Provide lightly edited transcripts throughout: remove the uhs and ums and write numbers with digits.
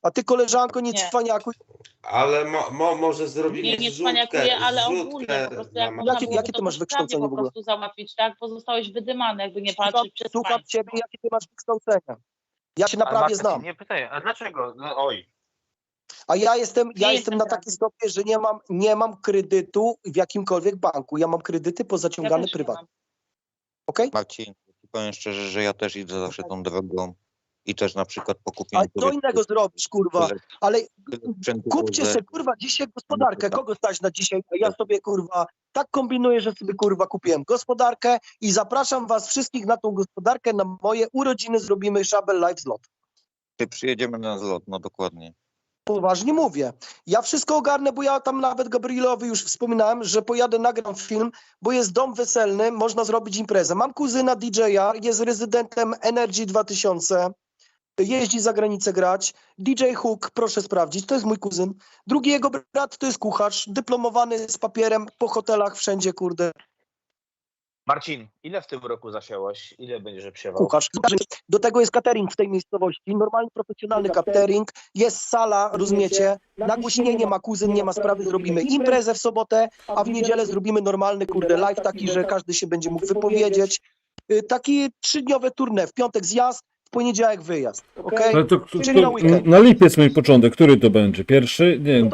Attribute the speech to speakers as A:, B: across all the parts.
A: A ty, koleżanko, nie
B: Nie.
A: cwaniakuj.
C: Ale może zrobimy
B: Nie cwaniakuję, ale ogólnie po prostu jak można było
A: Jakie
B: to
A: ty masz wykształcenie
B: po
A: w ogóle?
B: prostu załatwić, tak? Bo zostałeś wydymany, jakby nie patrzeć przez
A: Słucham
B: państwo.
A: ciebie, jakie ty masz wykształcenia. Ja się
D: Ale
A: naprawdę
D: Marta
A: znam.
D: cię nie pytaj, a dlaczego? No oj.
A: A ja jestem
B: jestem
A: na
B: radny.
A: takim stopniu, że nie mam kredytu w jakimkolwiek banku. Ja mam kredyty pozaciągane
B: też nie
A: prywatnie.
B: mam.
A: Okej?
E: Marcin, powiem szczerze, że ja też idę zawsze tą drogą i też na przykład po
A: A
E: kupieniu
A: co innego zrobisz, kurwa? Ale kupcie sobie, kurwa, dzisiaj gospodarkę. Kogo stać na dzisiaj? A ja sobie, kurwa, tak kombinuję, że sobie, kurwa, kupiłem gospodarkę i zapraszam was wszystkich na tą gospodarkę. Na moje urodziny zrobimy Szabel Live Zlot.
E: Przyjedziemy na zlot, no dokładnie.
A: Poważnie mówię. Ja wszystko ogarnę, bo ja tam nawet Gabrielowi już wspominałem, że pojadę, nagram film, bo jest dom weselny, można zrobić imprezę. Mam kuzyna DJ-a, jest rezydentem Energy 2000, jeździ za granicę grać. DJ Hook, proszę sprawdzić, to jest mój kuzyn. Drugi jego brat to jest kucharz, dyplomowany z papierem, po hotelach, wszędzie, kurde,
D: Marcin, ile w tym roku zasiałeś? Ile będziesz prziewał?
A: kucharz. Do tego jest catering w tej miejscowości, normalny, profesjonalny catering, jest sala, rozumiecie, nagłośnienie ma kuzyn, nie ma sprawy, zrobimy imprezę w sobotę, a w niedzielę zrobimy normalny, kurde, live taki, że każdy się będzie mógł wypowiedzieć. Taki 3-dniowe tournée, w piątek zjazd, w poniedziałek wyjazd, okej?
F: Ale
A: Czyli na weekend.
F: na lipiec mój początek, który to będzie? Pierwszy? Nie wiem.
A: No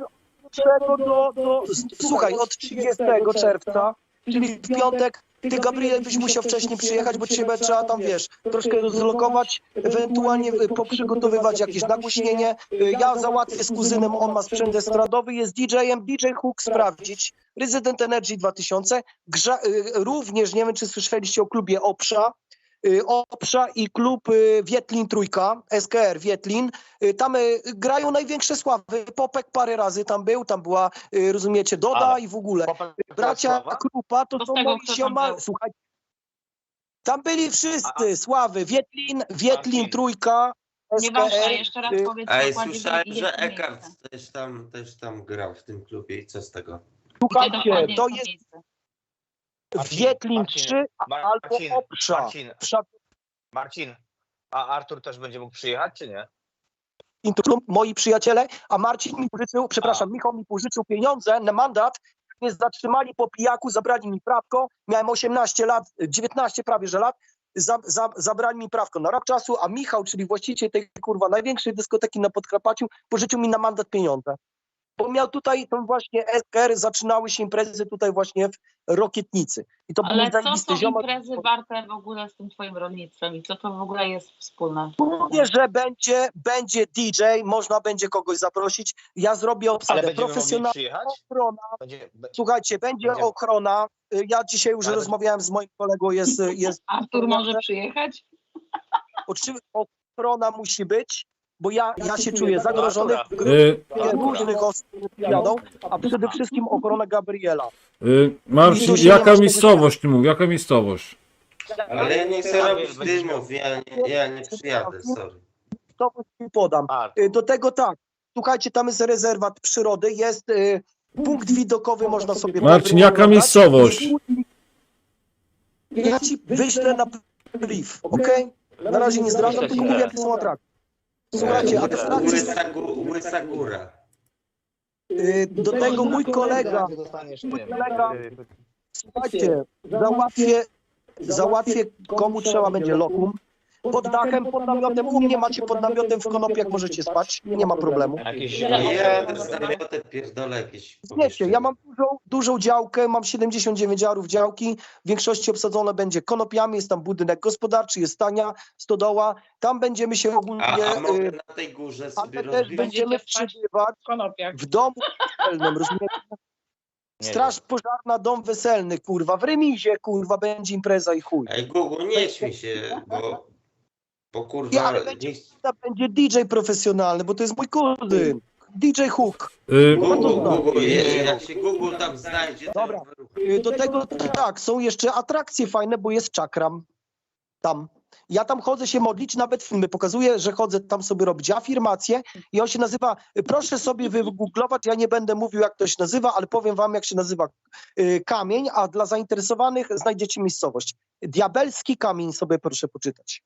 A: to słuchaj, od 30 czerwca, czyli w piątek, ty, Gabriel, byś musiał wcześniej przyjechać, bo ciebie trzeba tam, wiesz, troszkę zlokować, ewentualnie poprzygotowywać jakieś nagłośnienie. Ja załatwię z kuzynem, on ma sprzęt estradowy, jest DJ-em, DJ Hook sprawdzić, Resident Energy 2000, również, nie wiem, czy słyszeliście o klubie Oprza i klub Wietlin Trójka, SKR Wietlin. Tam grają największe sławy. Popek parę razy tam był, tam była, rozumiecie, Doda
D: Ale
A: i w ogóle.
D: Popek
A: Bracia
D: Sława?
A: Krupa to
B: To
A: są
B: z tego,
A: moi
B: kto tam
A: sioma.
B: był.
A: Słuchajcie, tam byli wszyscy, sławy. Wietlin
D: Marcin.
A: Trójka,
B: Nieważne,
A: SKR.
B: jeszcze raz powiedz
C: Ej,
B: dokładnie,
C: słyszałem,
B: ile
C: że
B: to
C: Eckhart
B: miejsce.
C: też tam grał w tym klubie i co z tego?
B: Gdzie
A: Słuchajcie,
B: dokładnie
A: to
B: jest
A: jest
B: miejsce?
A: Wietlin 3 albo Oprza.
D: Marcin, a Artur też będzie mógł przyjechać, czy nie?
A: Moi przyjaciele, a Marcin mi pożyczył, przepraszam, Michał mi pożyczył pieniądze na mandat, mnie zatrzymali po pijaku, zabrali mi prawko, miałem 18 lat, 19 prawie że lat, zabrali mi prawko na rok czasu, a Michał, czyli właściciel tej, kurwa, największej dyskoteki na Podkarpaciu, pożyczył mi na mandat pieniądze. Bo miał tutaj, tą właśnie SKR, zaczynały się imprezy tutaj właśnie w Rokietnicy. I to
B: Ale
A: był
B: co
A: zajebisty
B: są
A: ziomek.
B: imprezy warte w ogóle z tym twoim rolnictwem i co to w ogóle jest wspólne?
A: Mówię, że będzie DJ, można będzie kogoś zaprosić. Ja zrobię
D: Ale
A: obsadę
D: będziemy mogli
A: profesjonalną,
D: przyjechać?
A: ochrona. Słuchajcie, będzie ochrona. Ja dzisiaj już
D: Ale
A: rozmawiałem z moim kolegą, jest
B: Artur może przyjechać?
A: oczywiście ochrona musi być, bo ja się czuję zagrożony. W różnych osób jadą, a przede wszystkim ochrona Gabriela.
F: Marcin, jaka miejscowość ty mów? Jaka miejscowość?
C: Ale ja nie chcę robić dymów, ja nie przyjadę, sorry.
A: To ci podam. Do tego tak, słuchajcie, tam jest rezerwat przyrody, jest punkt widokowy, można sobie...
F: Marcin, jaka miejscowość?
A: Ja ci wyślę na brief, okej? Na razie nie zdradzam, tylko mówię, jakie są atrakcje. Słuchajcie, atrakcje...
C: Łysa góra.
A: Do tego mój kolega, słuchajcie, załatwię komu trzeba będzie lokum. Pod dachem, pod namiotem, u mnie macie pod namiotem w Konopiach, możecie spać, nie ma problemu.
C: Ja z namiotem pierdolę jakieś.
A: Wiecie, ja mam dużą działkę, mam 79 arów działki, w większości obsadzone będzie konopiami, jest tam budynek gospodarczy, jest stania, stodoła, tam będziemy się ogólnie...
C: A mogę na tej górze sobie
A: ale też będziemy przebywać w domu weselnym, rozumiecie? Straż pożarna, dom weselny, kurwa, w remizie, kurwa, będzie impreza i chuj.
C: Ej, Google, nie śmiej się, bo kurwa...
A: Ale będzie DJ profesjonalny, bo to jest mój kuzyn. DJ Hook.
C: Google, jak się Google tam znajdzie, to...
A: Dobra. Do tego tak, są jeszcze atrakcje fajne, bo jest czakram tam. Ja tam chodzę się modlić, nawet filmy pokazuję, że chodzę tam sobie robić afirmacje i on się nazywa, proszę sobie wygooglować, ja nie będę mówił jak to się nazywa, ale powiem wam jak się nazywa kamień, a dla zainteresowanych znajdziecie miejscowość. Diabelski kamień sobie proszę poczytać.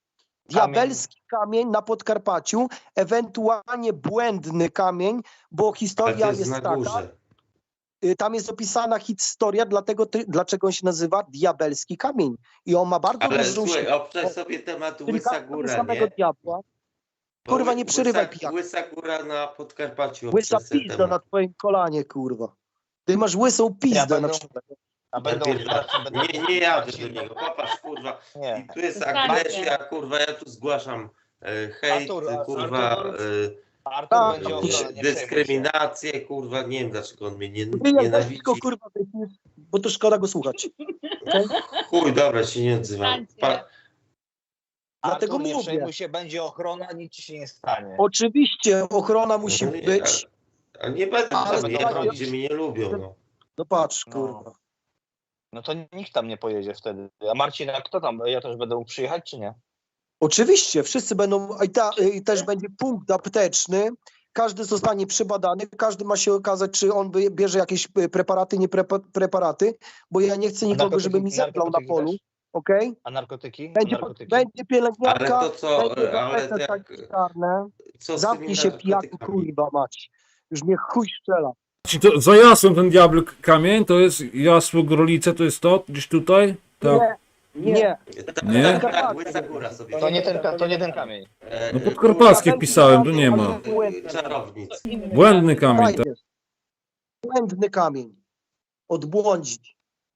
A: Diabelski kamień na Podkarpaciu, ewentualnie błędny kamień, bo
C: Ale
A: historia
C: to jest
A: jest
C: na
A: taka,
C: górze.
A: tam jest opisana historia, dlaczego on się nazywa Diabelski kamień. I on ma bardzo
C: Ale
A: dużą
C: słuchaj,
A: siłę.
C: obczaj sobie temat
A: Czyli
C: Łysa
A: każdego
C: Góra,
A: samego
C: nie?
A: diabła.
C: Bo
A: Kurwa, nie przerywaj,
C: Łysa,
A: pijak.
C: Łysa Góra na Podkarpaciu.
A: Łysa
C: obczaj sobie
A: pizda
C: temat.
A: na twoim kolanie, kurwa. Ty masz łysą pizdę
D: będą-
A: na przykład.
D: A będą...
C: Nie jadę do niego, popatrz, kurwa.
D: Nie.
C: I tu jest
B: Wystarczy.
C: agresja, kurwa, ja tu zgłaszam hejt, kurwa,
D: Artur będzie ochrona, nie
C: dyskryminację, kurwa, nie wiem dlaczego on mnie
A: Ty jak weź
C: nienawidzi.
A: tylko, kurwa, wytniesz, bo to szkoda go słuchać.
C: Chuj, dobra, się nie odzywam.
A: Dlatego
D: Artur, nie
A: mówię.
D: przejmuj się, będzie ochrona, nic ci się nie stanie.
A: Oczywiście ochrona musi być.
C: A nie będę
A: Ale
C: tam jechał, gdzie mnie nie lubią, no.
A: No patrz,
D: No.
A: kurwa.
D: No to nikt tam nie pojedzie wtedy. A Marcin, a kto tam? Ja też będę mógł przyjechać, czy nie?
A: Oczywiście, wszyscy będą, i też będzie punkt apteczny, każdy zostanie przebadany, każdy ma się okazać, czy on bierze jakieś preparaty, nie preparaty, bo ja nie chcę nikogo, żeby mi zemdlał na
D: narkotyki
A: polu,
D: też?
A: okej?
D: A narkotyki?
A: Będzie,
D: Narkotyki?
A: będzie
C: Ale
A: pielęgniarka,
C: to co,
A: będzie
C: ale
A: BS
C: jak,
A: sanitarne,
C: co z
A: zamknij
C: tymi
A: się pijaku,
C: narkotykami?
A: kurwa mać, już mnie chuj strzela.
F: Czy to za jasłem ten diabel kamień, to jest jasło Grolice, to jest to? Gdzieś tutaj? Tak.
A: Nie,
F: Nie?
C: Tak, Łysa Góra sobie.
D: To nie ten kamień.
F: No podkarpackie wpisałem, tu nie ma.
C: Czarownic.
F: Błędny kamień, tak.
A: fajnie. Błędny kamień, odbłądzić.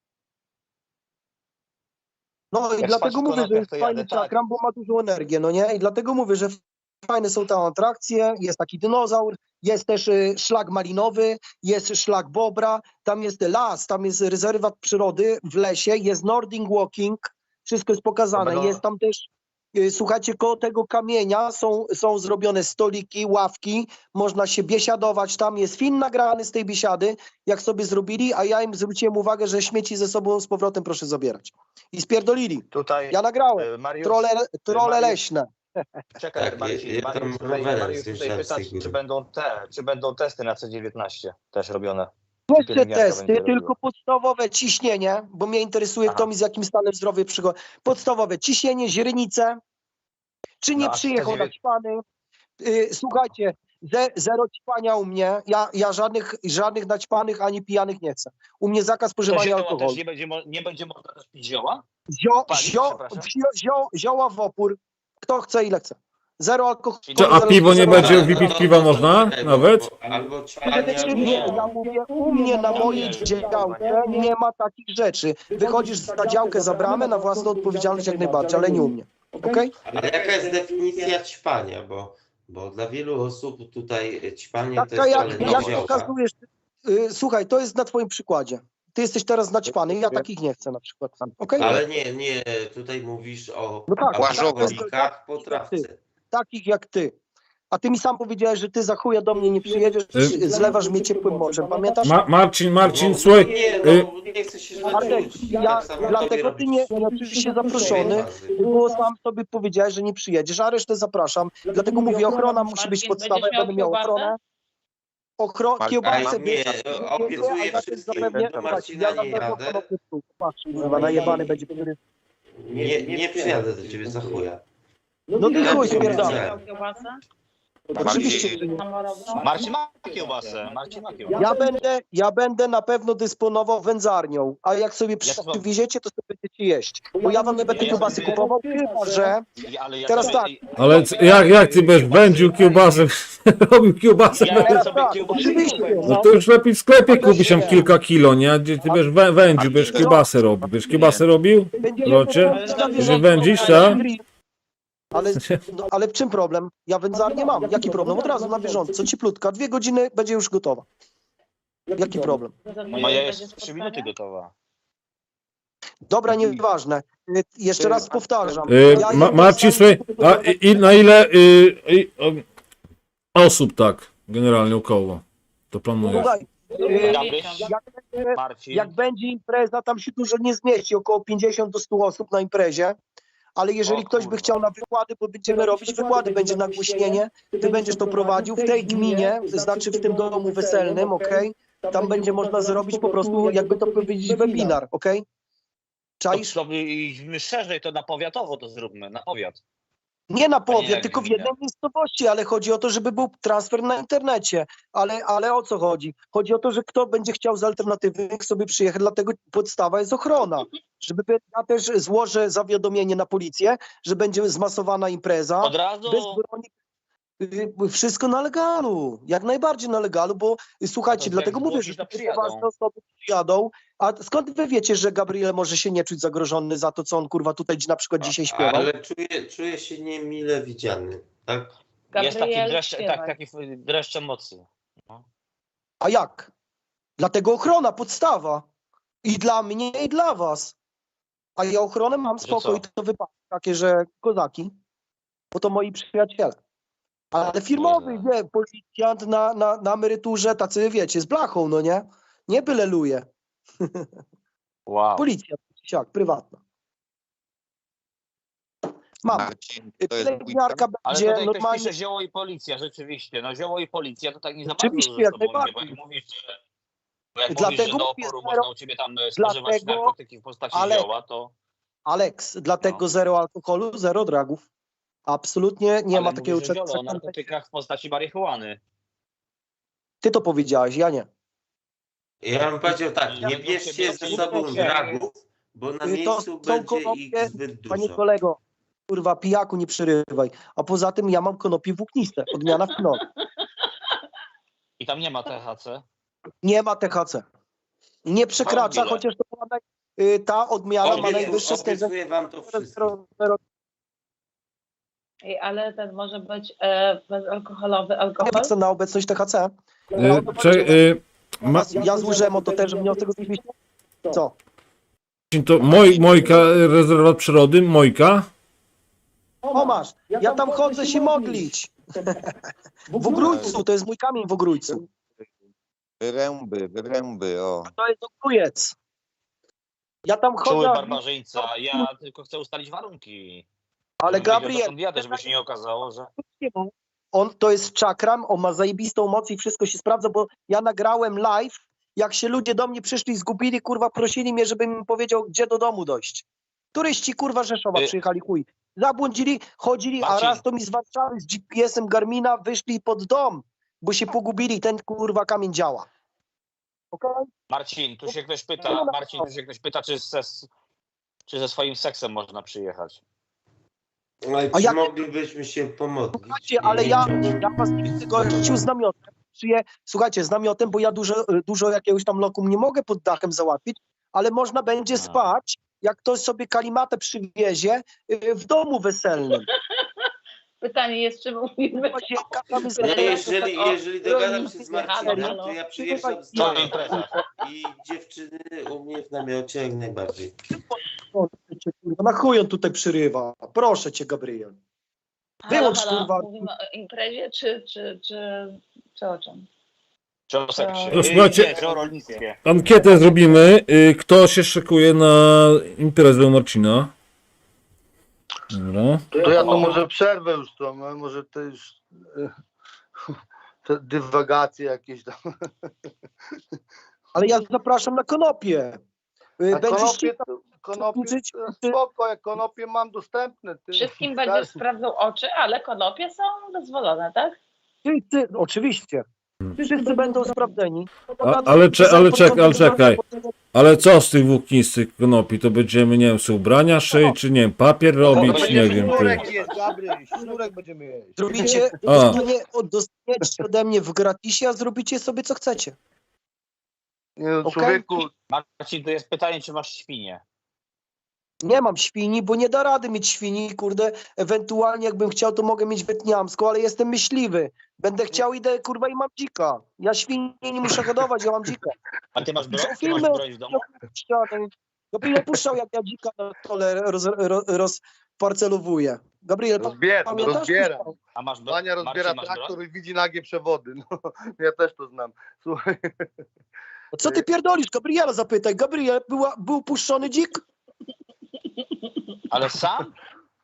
A: No i
D: Jak
A: dlatego
D: spać w
A: mówię, że
D: konopiach,
A: jest
D: to
A: fajny
D: jadę, tak.
A: czakram, bo ma dużą energię, no nie? I dlatego mówię, że fajne są tam atrakcje, jest taki dinozaur, jest też szlak malinowy, jest szlak bobra, tam jest las, tam jest rezerwat przyrody w lesie, jest Nordic Walking, wszystko jest pokazane,
D: To będą-
A: jest tam też, słuchajcie, koło tego kamienia są zrobione stoliki, ławki, można się biesiadować, tam jest film nagrany z tej biesiady, jak sobie zrobili, a ja im zwróciłem uwagę, że śmieci ze sobą z powrotem proszę zabierać. I spierdolili.
D: Tutaj
A: Ja nagrałem.
D: Mariusz,
A: Trole
D: Mariusz-
A: leśne.
D: czekaj,
C: Tak,
D: Marcin,
C: ja tam
D: Mariusz
C: rowerem
D: tutaj
C: zjeżdżałem
D: pyta,
C: z tej góry.
D: czy będą testy na C19 też robione.
A: Jeszcze
D: pielęgniarka
A: testy,
D: będzie
A: tylko
D: robiła.
A: podstawowe ciśnienie, bo mnie interesuje,
D: Aha.
A: kto mi z jakim stanem zdrowia przychodzi. Podstawowe ciśnienie, źrenice, czy nie
D: No, a
A: przyjechał
D: 109
A: naćpany. Słuchajcie, zero ćpania u mnie, ja żadnych naćpanych ani pijanych nie chcę. U mnie zakaz
D: To
A: spożywania
D: zioła
A: alkoholu.
D: też nie będzie można też pić zioła? Palić, przepraszam?
A: Zioła w opór, kto chce ile chce. Zero alkoholu.
F: A piwo nie
A: zero-
F: będzie wypić piwa można? Nawet?
C: Albo ćpania,
A: Nie,
C: albo...
A: ja mówię, u mnie na mojej działce nie ma takich rzeczy. Wychodzisz za działkę, za bramę, na własną odpowiedzialność jak najbardziej, ale nie u mnie. Okej?
C: Ale jaka jest definicja ćpania? Bo dla wielu osób tutaj ćpanie to
A: Taka
C: jest wcale nie
A: jak
C: zioła.
A: pokazujesz, słuchaj, to jest na twoim przykładzie. Ty jesteś teraz naćpany, ja takich nie chcę na przykład. Okej?
C: Ale nie, tutaj mówisz o
A: No tak,
C: alkoholikach po trawce.
A: takich jak ty. A ty mi sam powiedziałeś, że ty za chuja do mnie nie przyjedziesz, zlewasz mnie ciepłym moczem, pamiętasz?
F: Marcin, słuchaj,
C: Nie, no nie chcę się źle
A: Artek,
C: czuć.
A: ja,
C: Tak samo
A: dlatego
C: tobie
A: ty
C: robić.
A: nie czujesz się zaproszony, bo sam sobie powiedziałeś, że nie przyjedziesz, a resztę zapraszam. Dlatego mówię, ochrona musi być
B: Marcin,
A: podstawą,
B: będziesz
A: ja będę miał
B: miał
A: ochronę.
C: A
A: Kiełbasę
C: nie, obiecuję wszystkim, do Marcina nie jadę.
A: Patrz, kurwa, najebany będzie. Który...
C: Nie przyjadę do ciebie za chuja.
A: No ty chuj,
C: Ja
A: spierdolę.
C: nie chcę.
B: Kiełbasę?
A: Oczywiście, że nie.
D: Marcin ma kiełbasę. Marcin ma kiełbasę.
A: Ja będę na pewno dysponował wędzarnią, a jak sobie
D: też mam.
A: przywieziecie, to sobie będziecie jeść. Bo ja wam nie będę kiełbasy kupował, chyba że...
D: Ale ja
A: Teraz
D: sobie-
A: tak.
F: ale jak ty będziesz wędził kiełbasę, robił kiełbasę,
D: Ja
A: Teraz
D: sobie
A: tak,
D: kiełbasę
A: oczywiście.
D: kupuję.
F: no to już lepiej w sklepie kupić tam kilka kilo, nie? Gdzie ty będziesz wędził, będziesz kiełbasę robił. Będziesz kiełbasę robił? Locie? Że wędzisz, tak?
A: Ale w czym problem? Ja wędzarnię mam. Jaki problem? Od razu na bieżąco, cieplutka. 2 godziny będzie już gotowa. Jaki problem?
D: Moja jest 3 minuty gotowa.
A: Dobra, nieważne. Jeszcze raz powtarzam.
F: Marcin, słuchaj, a na ile osób tak generalnie około to planujesz?
A: Słuchaj,
D: Gabryś, Marcin.
A: jak będzie impreza, tam się dużo nie zmieści, około 50 do 100 osób na imprezie. Ale jeżeli
D: O
A: ktoś by
D: kurwa.
A: chciał na wykłady, bo będziemy robić wykłady, będzie nagłośnienie, ty będziesz to prowadził w tej gminie, znaczy w tym domu weselnym, okej? Tam będzie można zrobić po prostu, jakby to powiedzieć, webinar, okej? Czaisz?
D: To idźmy szerzej, to na powiatowo to zróbmy, na powiat.
A: Nie na
D: Panie
A: powiat, tylko w
D: gminie.
A: jednej miejscowości, ale chodzi o to, żeby był transfer na internecie. Ale o co chodzi? Chodzi o to, że kto będzie chciał z alternatywnych sobie przyjechać, dlatego podstawa jest ochrona. Ja też złożę zawiadomienie na policję, że będzie zmasowana impreza.
D: Od razu.
A: Bez broni. Wszystko na legalu, jak najbardziej na legalu, bo słuchajcie,
D: To
A: dlatego
D: jak
A: mówię,
D: zgłosisz,
A: że
D: to
A: te
D: przyjadą.
A: ważne osoby przyjadą. A skąd wy wiecie, że Gabriel może się nie czuć zagrożony za to, co on kurwa tutaj na przykład dzisiaj śpiewał?
C: Ale czuję się niemile widziany, tak?
D: Jest taki
B: Gabriel,
D: dreszcz,
B: śpiewaj.
D: taki dreszcz emocji.
A: A jak? Dlatego ochrona, podstawa. I dla mnie, i dla was. A ja ochronę mam
D: Że
A: spokój,
D: co?
A: to wypadki takie, że kozaki, bo to moi przyjaciele. Ale firmowy,
D: Boże.
A: nie, policjant na emeryturze, tacy wiecie, z blachą, no nie? Nie byle luje.
D: Wow.
A: Policja, siak, prywatna. Mam.
E: Marcin, to jest
A: Pielęgniarka
D: Ale
A: będzie
D: tutaj ktoś
A: normalnie.
D: pisze zioło i policja, rzeczywiście. No zioło i policja to tak nie za
A: Oczywiście,
D: bardzo ze
A: jak
D: sobą idzie,
A: najbardziej.
D: bo jak mówisz, że,
A: Dlatego
D: do
A: mówię,
D: oporu
A: zero-
D: można u ciebie tam spożywać
A: dlatego-
D: narkotyki w postaci
A: ale-
D: zioła, to
A: Alex, dlatego
D: No.
A: zero alkoholu, zero dragów. Absolutnie nie
D: ale
A: ma takiego
D: mówisz, że
A: czegoś.
D: zioło o narkotykach w postaci marihuany.
A: Ty to powiedziałeś, ja nie.
C: Ja bym powiedział tak, nie
D: Nie
C: bierzcie ze
D: bierzcie
C: sobą
A: się.
C: dragów, bo na
A: To
C: miejscu
A: są
C: będzie
A: konopie,
C: ich zbyt
A: Panie
C: dużo.
A: kolego, kurwa, pijaku nie przerywaj. A poza tym ja mam konopie włókniste, odmiana w knop.
D: I tam nie ma THC.
A: Nie ma THC. Nie przekracza,
D: ile?
A: chociaż to ma ta odmiana ma najwyższe stężenie.
C: Obiecuję wam to wszystko.
A: 0,0.
B: Ej, ale ten może być bezalkoholowy alkohol?
A: Nie ma na obecność THC. Ja złożyłem o to też wniosek oczywiście. Co?
F: To Mojka, rezerwat przyrody, Mojka.
A: O masz, ja tam chodzę się modlić. W Ogrójcu, to jest mój kamień w Ogrójcu.
E: Wyręby, o.
A: To jest Ogrójec. Ja tam
D: Czuły
A: chodzę,
D: barbarzyńca. Ja tylko chcę ustalić warunki.
A: ale
D: Żebym wiedział,
A: Gabriel,
D: dokąd jadę, żeby się nie okazało, że...
A: on to jest czakram, on ma zajebistą moc i wszystko się sprawdza, bo ja nagrałem live, jak się ludzie do mnie przyszli, zgubili, kurwa, prosili mnie, żebym im powiedział, gdzie do domu dojść. Turyści, kurwa, Rzeszowa przyjechali, chuj. Zabłądzili, chodzili, a
D: Marcin.
A: raz to mi z Warszawy, z GPS-em Garmina wyszli pod dom, bo się pogubili, ten kurwa kamień działa. Okej?
D: Marcin, tu się ktoś pyta, czy ze swoim seksem można przyjechać.
C: No i
A: A
C: czy
A: jak-
C: moglibyśmy się pomodlić?
A: Słuchajcie, ale
C: I-
A: ja was nie chcę gościu z namiotem. Słuchajcie, z namiotem, bo ja dużo jakiegoś tam lokum nie mogę pod dachem załatwić, ale można będzie spać, jak ktoś sobie kalimatę przywiezie w domu weselnym.
B: Pytanie jest, czy mówimy
A: Łazienka, tam jest
C: Nie,
A: weselna.
C: jeżeli dogadam się z Marcinem,
B: Halo.
C: to ja przyjeżdżam z
D: Co
C: nim
D: impreza?
C: i dziewczyny u mnie w namiocie jak najbardziej.
A: Na chuj on tutaj przyrywa. Proszę cię, Gabriel. Wyłącz, kurwa.
B: Mówimy o imprezie, czy o czym?
D: Czy o seksie?
F: No, słuchajcie.
D: Nie, czy o rolnictwie.
F: Ankietę zrobimy. Kto się szykuje na imprezę Marcina? Dobra.
G: To ja to może przerwę już to, może to już te dywagacje jakieś tam.
A: Ale ja zapraszam na konopie.
G: A konopie
A: żyć-
G: spoko, jak konopie mam dostępne. Ty,
B: Wszystkim będziesz sprawdzał oczy, ale konopie są dozwolone, tak?
A: Oczywiście. Wszyscy będą sprawdzeni.
F: Ale czekaj. Ale co z tych włóknistych konopi? To będziemy, nie wiem, sobie ubrania szyć, czy nie wiem, papier robić, nie wiem. Ty.
G: Sznurek jest, Gabriel, sznurek będziemy jeść.
A: Zrobicie,
F: A.
A: dostaniecie ode mnie w gratisie, a zrobicie sobie co chcecie.
G: Nie no,
A: Okej.
G: człowieku,
D: Marcin, tu jest pytanie, czy masz świnie.
A: Nie mam świni, bo nie da rady mieć świni, kurde. Ewentualnie jakbym chciał, to mogę mieć wietniamską, ale jestem myśliwy. Będę chciał, idę, kurwa, i mam dzika. Ja świni nie muszę hodować, ja mam dzika.
D: A ty masz broń? Ty masz
A: Filmy
D: broń w domu?
A: Gabriel puszczał, jak ja dzika na stole rozparcelowuję. Gabriel, pamiętasz?
G: rozbiera.
D: A masz broń?
G: Wania rozbiera
D: Marcin, masz broń?
G: traktor i widzi nagie przewody. No, ja też to znam. Słuchaj,
A: Co ty pierdolisz? Gabriela zapytaj. Gabriel, był puszczony dzik?
D: Ale sam?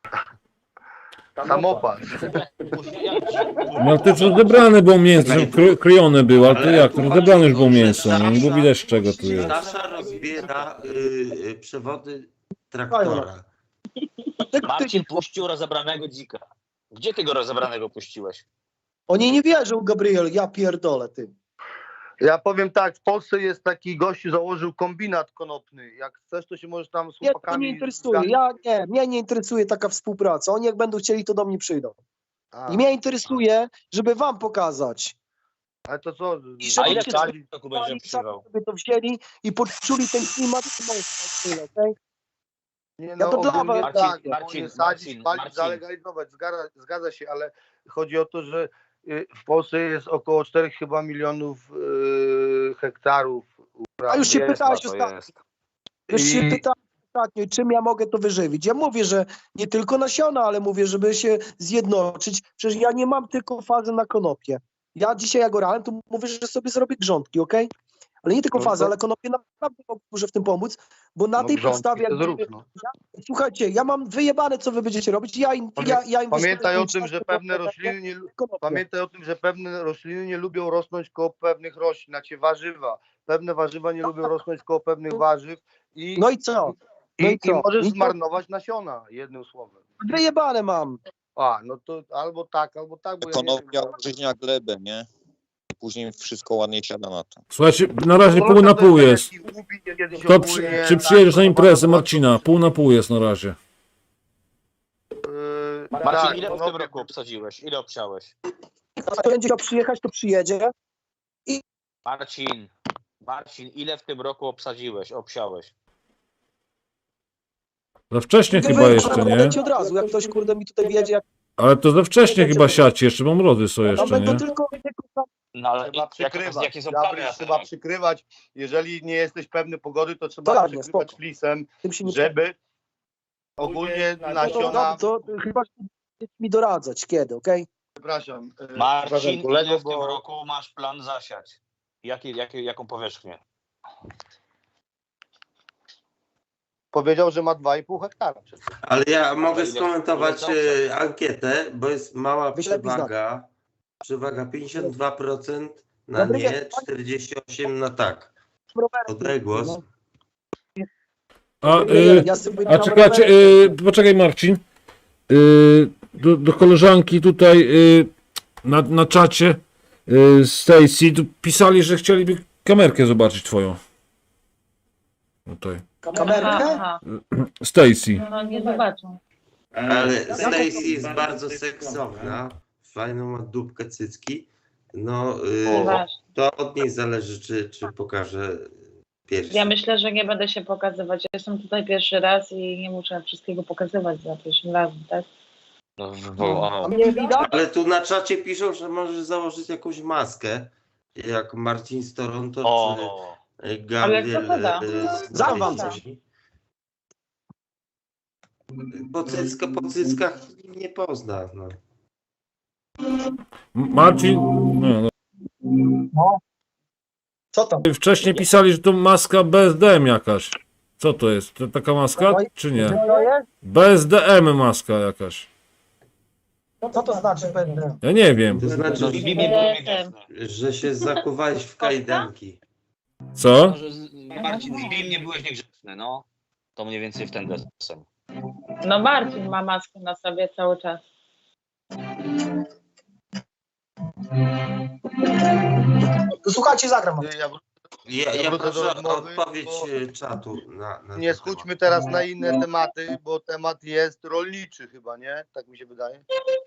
G: samopas.
F: No to już rozebrane było mięso, krojone było, ale to jak? To rozebrane już było mięso, no nie było widać z czego tu jest.
C: Stasza rozbiera przewody traktora.
A: Dlaczego ty
D: Marcin
A: nie-
D: puścił rozebranego dzika. Gdzie ty go rozebranego puściłeś?
A: Oni nie wierzą, Gabriel, ja pierdolę, ty.
G: Ja powiem tak, w Polsce jest taki gościu, założył kombinat konopny. Jak chcesz, to się możesz tam z
A: Mnie to
G: chłopakami...
A: nie interesuje, mnie nie interesuje taka współpraca. Oni jak będą chcieli, to do mnie przyjdą.
G: A,
A: I mnie interesuje, żeby wam pokazać.
G: ale to co?
A: I
D: A
A: żeby
D: ile
A: cię
D: w tym roku będzie przywał?
A: żeby to wzięli i poczuli ten klimat. Okay?
G: Nie,
A: Ja
G: no,
A: to dla
G: ogólnie
A: was-
G: tak,
D: Marcin,
G: nie sadzić,
D: Marcin,
G: palić,
D: Marcin.
G: zalegalizować, zgadza się, ale chodzi o to, że w Polsce jest około 4 chyba milionów hektarów upraw.
A: A już się
D: Jest,
A: pytałeś
D: to
A: ostatnio.
D: jest.
A: Już się
G: I-
A: pytałem ostatnio, czym ja mogę to wyżywić. Ja mówię, że nie tylko nasiona, ale mówię, żeby się zjednoczyć. Przecież ja nie mam tylko fazy na konopie. Ja dzisiaj jak orałem, to mówię, że sobie zrobię grządki, okej? Ale nie tylko
G: No
A: fazy,
G: to-
A: ale konopie naprawdę może w tym pomóc, bo na
G: No,
A: tej
G: grządki
A: podstawie,
G: to
A: jak
G: zrób,
A: będzie-
G: no.
A: słuchajcie, ja mam wyjebane, co wy będziecie robić. Ja inwestuję
G: Pamiętaj o tym,
A: czas,
G: że pewne rośliny nie,
A: konopie.
G: pamiętaj o tym, że pewne rośliny nie lubią rosnąć koło pewnych roślin, znaczy warzywa. Pewne warzywa nie lubią rosnąć koło pewnych warzyw i,
A: No i co? No i
G: i
A: co?
G: możesz
A: I to-
G: zmarnować nasiona, jednym słowem.
A: Wyjebane mam.
G: A, no to albo tak, bo ja nie
E: Konopia
G: wiem.
E: użyźnia glebę, nie? I później wszystko ładnie siada na to.
F: Słuchajcie, na razie pół na pół jest. To czy przyjedziesz na imprezę Marcina? Pół na pół jest na razie.
D: Marcin,
G: tak,
D: ile w
G: no,
D: tym roku obsadziłeś? Ile obsiałeś?
A: Kto będzie chciał przyjechać, to przyjedzie.
D: Marcin, ile w tym roku obsiałeś?
F: Za wcześnie chyba jeszcze, nie?
A: Od razu, jak ktoś kurde mi tutaj wiedzie, jak
F: Ale to za wcześnie chyba siać, jeszcze mam mrody są
A: tam
F: jeszcze,
A: będą
F: nie?
A: tylko
D: No ale
G: Trzeba przykrywać.
D: jakie są plany
G: Gabriel,
D: na
G: trzeba
D: ten
G: przykrywać. Jeżeli nie jesteś pewny pogody, to trzeba
A: To ładnie,
G: przykrywać
A: spoko.
G: flisem,
A: tym się nie
G: żeby ogólnie nasiona...
A: to chyba mi doradzać kiedy, okej?
G: Przepraszam.
D: Marcin,
G: kolego,
D: ile w tym
G: bo
D: roku masz plan zasiać? Jaką powierzchnię?
G: powiedział, że ma 2,5 hektara. przecież.
C: Ale ja mogę
D: ile-
C: skomentować
D: ile
C: ankietę, bo jest mała
A: Wyślij
C: przewaga. Przewaga 52% na
A: Gabriel,
C: nie, 48% na tak.
A: Rowerem.
C: Oddaj głos.
A: No.
F: A,
A: Ja sobie
F: a
A: tam
F: czekajcie,
A: rowerem-
F: poczekaj Marcin. Do koleżanki tutaj na czacie Stacy tu pisali, że chcieliby kamerkę zobaczyć twoją. Tutaj.
A: Kamerkę?
B: Aha,
F: Stacy.
B: no nie zobaczą.
C: Ale Stacy jest bardzo seksowna. Fajną ma dupkę cycki. No,
B: Nieważne.
C: to od niej zależy, czy pokaże piersi.
B: Ja myślę, że nie będę się pokazywać. Ja jestem tutaj pierwszy raz i nie muszę wszystkiego pokazywać za pierwszym razem, tak?
D: No,
A: A mnie widać?
C: Ale tu na czacie piszą, że możesz założyć jakąś maskę, jak Marcin z Toronto,
D: o,
C: czy Gabriel
B: Ale kto to da?
C: z
A: Dam wam
C: Norwegii. Po cyckach nie pozna. No.
F: Marcin, no,
A: Co tam?
F: wcześniej pisali, że to maska BSDM jakaś. Co to jest? To taka maska, czy nie?
A: Co jest?
F: BSDM maska jakaś.
A: Co to znaczy będę?
F: Ja nie wiem.
C: To znaczy,
D: no Bibi był niegrzeczny.
C: że się zakuwałeś w kajdanki.
F: Co?
D: Marcin, z Bibim nie byłeś niegrzeczny, no. To mniej więcej w ten deseń.
B: No Marcin ma maskę na sobie cały czas.
A: To słuchajcie, zagram wam.
C: Ja
G: wrócę do
C: proszę o
G: rozmowy,
C: odpowiedź
G: bo-
C: czatu na
G: Nie
C: ten
G: schudźmy
C: temat.
G: teraz na inne tematy, bo temat jest rolniczy chyba, nie? Tak mi się wydaje.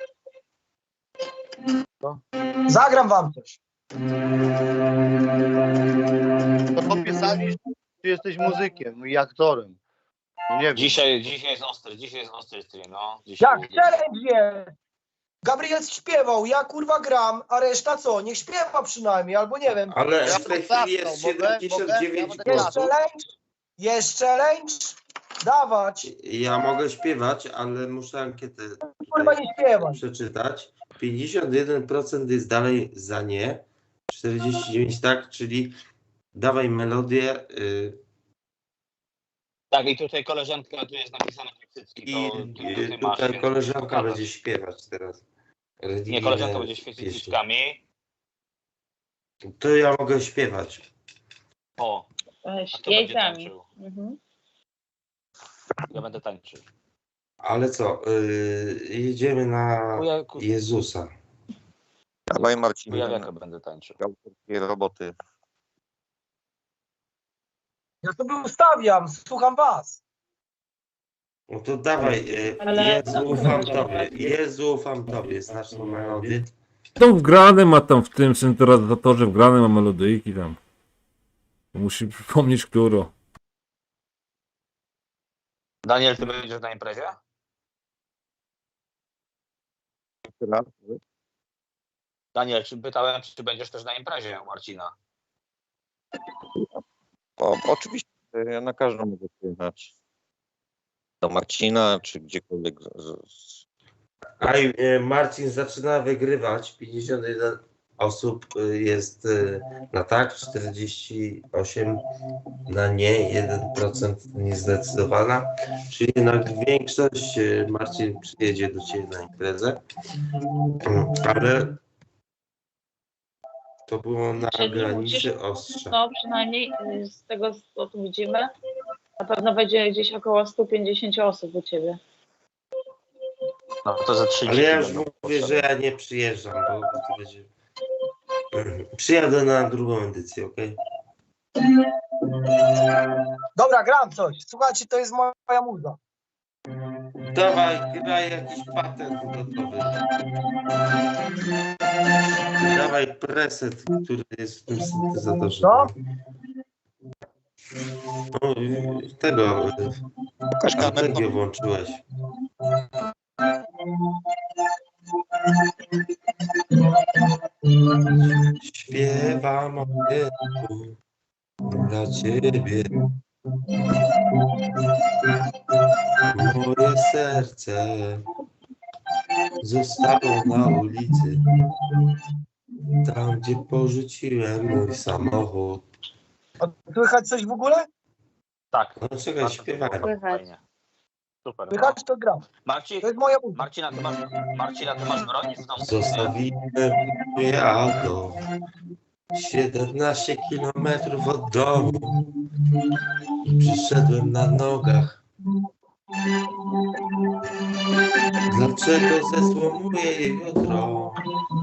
A: Zagram wam coś.
G: To popisali, czy jesteś muzykiem i aktorem. No nie wiem.
D: Dzisiaj jest ostry stream, no. Dzisiaj
A: Jak challenge jest. Gabriel śpiewał, ja kurwa gram, a reszta co? Niech śpiewa przynajmniej, albo nie wiem.
C: Ale
G: Ja
C: w tej
G: to
C: chwili jest
G: zasnął, mogę?
C: 79
G: Mogę? Ja
A: Jest
C: głosów.
A: challenge? Jest challenge? Dawać.
C: Ja mogę śpiewać, ale muszę ankietę
A: Kurwa
C: tutaj
A: nie śpiewać.
C: przeczytać. 51% jest dalej za nie, 49 tak, czyli dawaj melodię
D: Tak, i tutaj koleżanka, tu jest napisane Kwiecycki,
C: i
D: to ty masz,
C: tutaj
D: więc
C: koleżanka
D: pokazać.
C: będzie śpiewać teraz.
D: Nie,
C: religijne
D: koleżanka będzie świecić
C: pieśni.
D: cyckami.
C: To ja mogę śpiewać.
D: O, a kto będzie
B: Jajcami.
D: tańczył?
B: Mhm.
D: Ja będę tańczył.
C: Ale co, jedziemy na Jezusa.
E: Dawaj Marcin,
D: Kujawiaka będę tańczył.
E: autorskie roboty.
A: Ja sobie ustawiam, słucham was.
C: No to dawaj,
B: Ale-
C: Jezu, ufam Tobie. Jezu, ufam Tobie. Znasz tą melodię?
F: Tam wgrane ma tam w tym syntezatorze wgrane ma melodyjki tam. Musi przypomnieć, którą.
D: Daniel, ty będziesz na imprezie?
E: Raz.
D: Daniel, pytałem, czy będziesz też na imprezie u Marcina?
E: Oczywiście, ja na każdą mogę przyjechać. Do Marcina, czy gdziekolwiek.
C: A Marcin zaczyna wygrywać. 51 osób jest na tak, 48 na nie, 1% niezdecydowana. Czyli jednak większość Marcin przyjedzie do Ciebie na imprezę. Ale to było na
B: Czyli
C: granicy
B: musisz-
C: ostrza.
B: No przynajmniej z tego, co tu widzimy, na pewno będzie gdzieś około 150 osób u ciebie.
D: No to za 30
C: Ale ja już
D: będą
C: mówię, że
D: potrzebne.
C: ja nie przyjeżdżam, bo to będzie... Przyjadę na drugą edycję, okej?
A: Dobra, gram coś. Słuchajcie, to jest moja muza.
C: Dawaj, graj jakiś patent gotowy. Dawaj preset, który jest w tym syntezatorze.
A: Co?
C: No, tego,
E: Pokaż kamerę.
C: strategię włączyłeś. Śpiewam o Jezu dla Ciebie. Moje serce zostało na ulicy, tam gdzie porzuciłem mój samochód.
A: A słychać coś w ogóle?
D: Tak.
C: No czekaj, śpiewałem.
D: Fajnie. Super.
A: Słychać, to gram.
D: Marcin,
A: To jest moja muza.
D: Marcina, ty masz broń w domu?
C: Zostawiłem moje auto 17 kilometrów od domu i przyszedłem na nogach. Dlaczego zesłomuję jej jutro?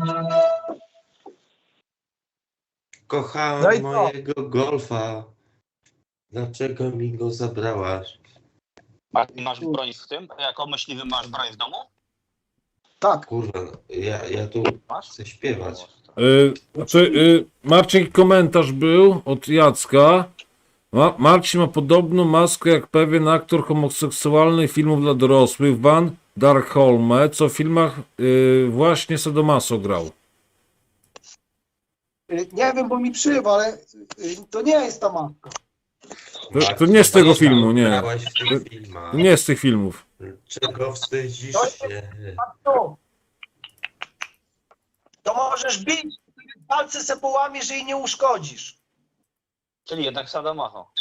A: No i
C: Kochałem
A: co?
C: mojego golfa. Dlaczego mi go zabrałaś?
D: A ty masz broń w tym? Jako myśliwy masz broń w domu?
A: Tak.
C: Kurwa, no, ja tu
D: Masz?
C: chcę śpiewać.
F: Marcin, komentarz był od Jacka. Marcin ma podobną maskę jak pewien aktor homoseksualnych filmów dla dorosłych, Van Darkholme, co w filmach właśnie Sadomaso grał.
A: Nie wiem, bo mi przywa, ale to nie jest ta maska.
F: To nie z tego
C: Marcin,
F: filmu, nie.
C: grałeś w tych filmach.
F: To nie z tych filmów.
C: Czego wstydzisz się?
A: To możesz bić, palce se połamiesz, że jej nie uszkodzisz.
D: Czyli jednak Sadomaso.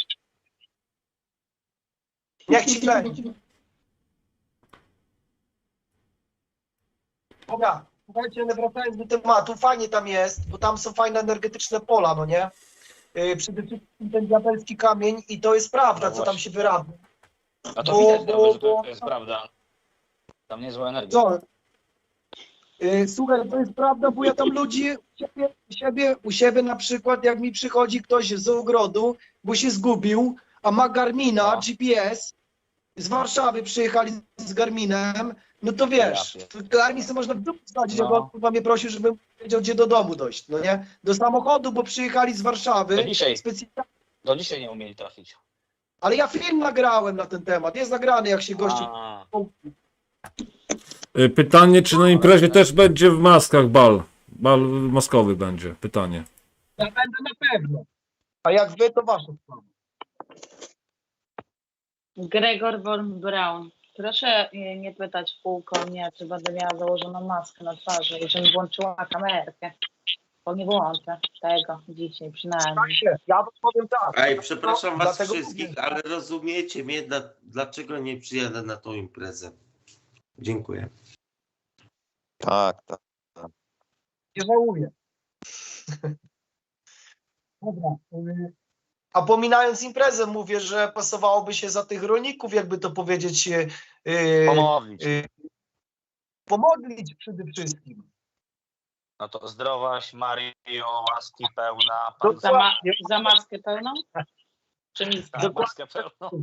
A: Niech ci kręci. Dobra, słuchajcie, wracając do tematu, fajnie tam jest, bo tam są fajne energetyczne pola, no nie? Przede wszystkim ten diabelski kamień i to jest prawda,
D: No
A: co tam się wyrabia.
D: No to
A: Bo-
D: widać,
A: bo-
D: że to
A: bo-
D: jest prawda. Tam niezła energia.
A: Co? Słuchaj, to jest prawda, bo ja tam ludzi u siebie na przykład, jak mi przychodzi ktoś z ogrodu, bo się zgubił, a ma Garmina,
D: No.
A: GPS, z Warszawy przyjechali z Garminem, no to wiesz,
D: Ja
A: Garmin sobie można w dupę wsadzić,
D: No.
A: jak on kurwa mnie prosił, żebym wiedział, gdzie do domu dojść, no nie? Do samochodu, bo przyjechali z Warszawy,
D: Do dzisiaj nie umieli trafić.
A: ale ja film nagrałem na ten temat, jest nagrany, jak się gościu...
D: A,
F: Pytanie, czy na imprezie też będzie w maskach bal? Bal maskowy będzie, pytanie.
A: Ja będę na pewno. A jak wy, to wasza sprawa.
B: Gregor von Braun. Proszę nie pytać w kółko mnie, czy będę miała założoną maskę na twarzy i żebym włączyła kamerkę. Bo nie włączę tego dzisiaj przynajmniej.
A: Ja wam powiem tak.
C: Ej, przepraszam was
A: Dlatego
C: wszystkich,
A: mówię.
C: ale rozumiecie mnie, dlaczego nie przyjadę na tą imprezę? Dziękuję.
E: Tak, tak.
A: Nie żałuję. Dobra. A pominając imprezę, mówię, że pasowałoby się za tych rolników, jakby to powiedzieć,
D: Pomodlić.
A: pomodlić przede wszystkim.
D: No to zdrowaś, Mario, łaski pełna.
B: Za maskę pełną? Czy mista?
D: Maskę pełną.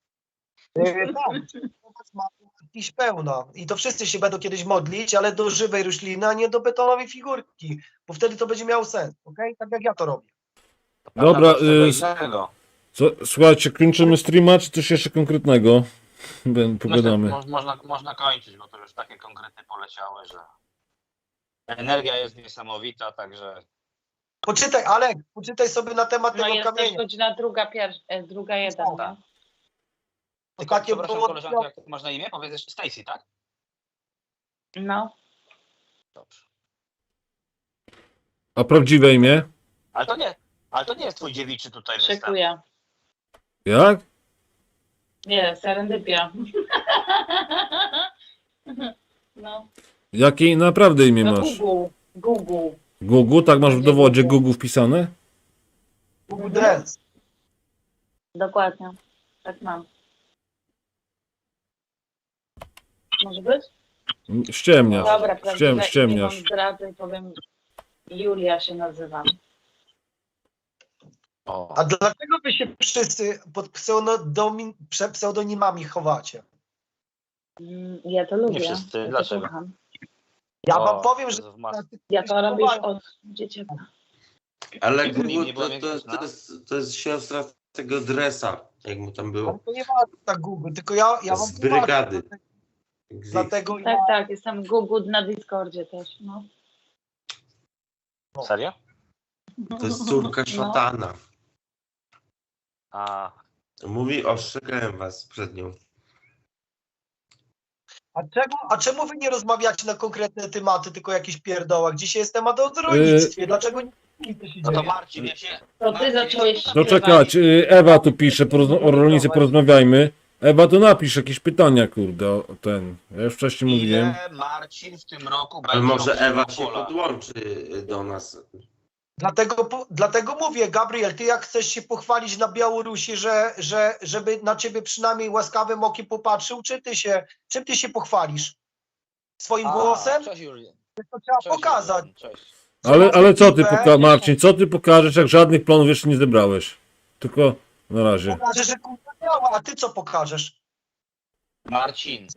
A: Tak, ma jakiś pełno. I to wszyscy się będą kiedyś modlić, ale do żywej rośliny, a nie do betonowej figurki, bo wtedy to będzie miało sens, okej? Tak jak ja to robię.
F: Dobra,
D: Innego.
F: słuchajcie, kończymy streama, czy coś jeszcze konkretnego? Pogadamy.
D: Można kończyć, bo to już takie konkrety poleciały, że energia jest niesamowita, także
A: Poczytaj, Alek, poczytaj sobie na temat
B: No
A: tego
B: jest też
A: kamienia.
B: godzina druga jeden, nie?
D: Tylko,
A: Takie
D: przepraszam,
A: było-
D: koleżanko, jak masz na imię? Powiedz Stacy, tak?
B: No.
D: Dobrze.
F: A prawdziwe imię?
D: Ale to nie jest twój dziewiczy tutaj występ.
B: Szykuję.
F: Jak?
B: Nie, serendypia. No.
F: Jakie naprawdę imię
B: No
F: masz?
B: Google.
F: Gugu, tak masz w dowodzie Gugu wpisane?
A: Google Dress.
B: Dokładnie. Tak mam. Może być?
F: Ściemniasz.
B: Dobra, prawdziwe imię wam
F: Ściemniasz.
B: zdradzę i powiem Julia się nazywam.
D: O.
A: A dlaczego wy się wszyscy pod pseudonimami chowacie?
B: Ja to lubię.
D: Nie wszyscy,
B: Ja to
D: dlaczego?
B: kocham.
A: Ja
D: O,
A: wam powiem, że...
D: Jezu, w masce.
B: Ja to robię już od dzieciaka.
C: Ale
D: Jak z nim
C: Google
D: nie było większość, no?
C: to jest siostra tego dresa, jak mu tam
A: Ale
C: było.
A: to nie ma tak Google, tylko ja wam
C: Z brygady.
A: Dlatego
B: Tak, tak, jestem Google na Discordzie też, no.
D: Serio?
C: To jest córka szatana.
D: A,
C: Mówi, ostrzegałem was przed nią.
A: A czemu wy nie rozmawiacie na konkretne tematy, tylko jakieś pierdołach? Dzisiaj jest temat o rolnictwie. Dlaczego nie to się
D: no to
A: dzieje?
D: Marcin, ja się...
B: To ty zacząłeś
F: No czekać, Ewa tu pisze, o rolnicy porozmawiajmy. Ewa, to napisz jakieś pytania, kurde, o ten. Ja już wcześniej mówiłem.
D: Ile Marcin w tym roku
C: Ale
D: będzie
C: może
D: obsługiwał
C: Ewa się
D: pola?
C: podłączy do nas.
A: Dlatego mówię, Gabriel, ty jak chcesz się pochwalić na Białorusi, żeby na ciebie przynajmniej łaskawym okiem popatrzył, czym ty się pochwalisz? Swoim głosem?
D: Cześć Julian.
A: To trzeba
D: Cześć,
A: pokazać.
D: Julian. Cześć.
F: Ale co ty, Marcin, co ty pokażesz, jak żadnych planów jeszcze nie zebrałeś? Tylko na razie.
A: Pokażesz, że kurwa działa, a ty co pokażesz?
D: Marcin,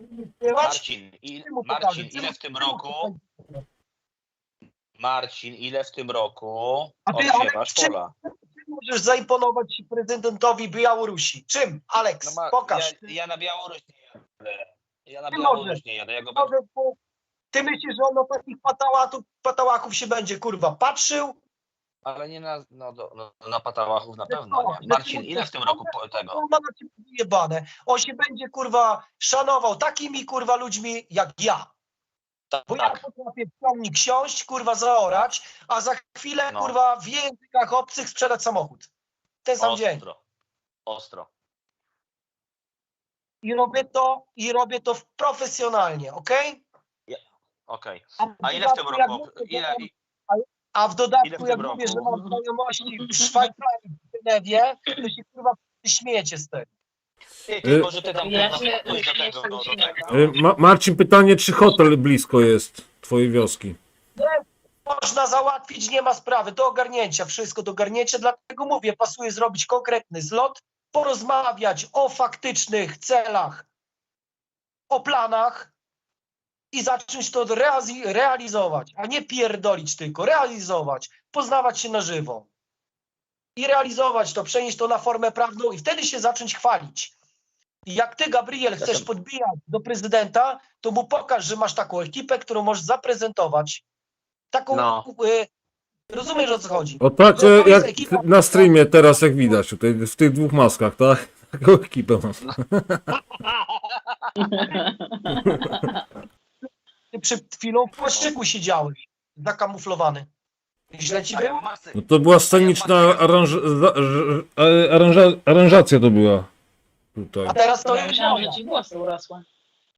D: ile w tym roku... Marcin, ile w tym roku
A: A ty,
D: odsiewasz
A: Aleks, czym-
D: pola?
A: Ty możesz zaimponować prezydentowi Białorusi. Czym? Aleks, pokaż.
D: Ja na Białoruś nie jadę. Ja na
A: Ty
D: Białoruś
A: możesz.
D: nie jadę. Ja go
A: Może, bo ty myślisz, że on o takich patałachów się będzie, kurwa, patrzył?
D: Ale nie na patałachów na pewno nie. Marcin, ile w tym roku tego?
A: On ma na ciebie wyjebane. On się będzie, kurwa, szanował takimi, kurwa, ludźmi jak ja. Bo ja
D: Tak,
A: potrafię w ciągnik siąść, kurwa, zaorać, a za chwilę,
D: No.
A: kurwa, w językach obcych sprzedać samochód. W ten sam dzień.
D: ostro.
A: I robię to profesjonalnie, okej?
D: Okej.
A: w
D: A ile w tym
A: dodatku, jak
D: roku?
A: mówię,
D: Ile
A: A w
D: w
A: dodatku,
D: tym
A: jak
D: roku?
A: mówię, że mam znajomości w Szwajcarii, w Genewie, to się, kurwa, śmiejecie z tego.
D: Ty, może ty tam
B: Ja się
D: pójdź do tego, do tego.
F: Marcin, pytanie, czy hotel blisko jest twojej wioski?
A: Można załatwić, nie ma sprawy, do ogarnięcia, wszystko do ogarnięcia, dlatego mówię, pasuje zrobić konkretny zlot, porozmawiać o faktycznych celach, o planach i zacząć to realizować, a nie pierdolić tylko, realizować, poznawać się na żywo i realizować to, przenieść to na formę prawną i wtedy się zacząć chwalić. I jak ty, Gabriel, chcesz podbijać do to mu pokaż, że masz taką ekipę, którą możesz zaprezentować. Taką,
D: No.
A: rozumiesz, o co chodzi?
F: O tak,
A: To jest
F: jak
A: ekipa-
F: na streamie teraz, jak widać, tutaj w tych dwóch maskach, tak? Taką ekipę mam.
A: Ty przed chwilą w płaszczyku siedziałeś, zakamuflowany. Źle ci było?
F: No to była sceniczna aranżacja to była. Tutaj.
A: A teraz to
B: Ja
A: jest
B: myślałam,
A: moja.
B: że ci włosy urosły.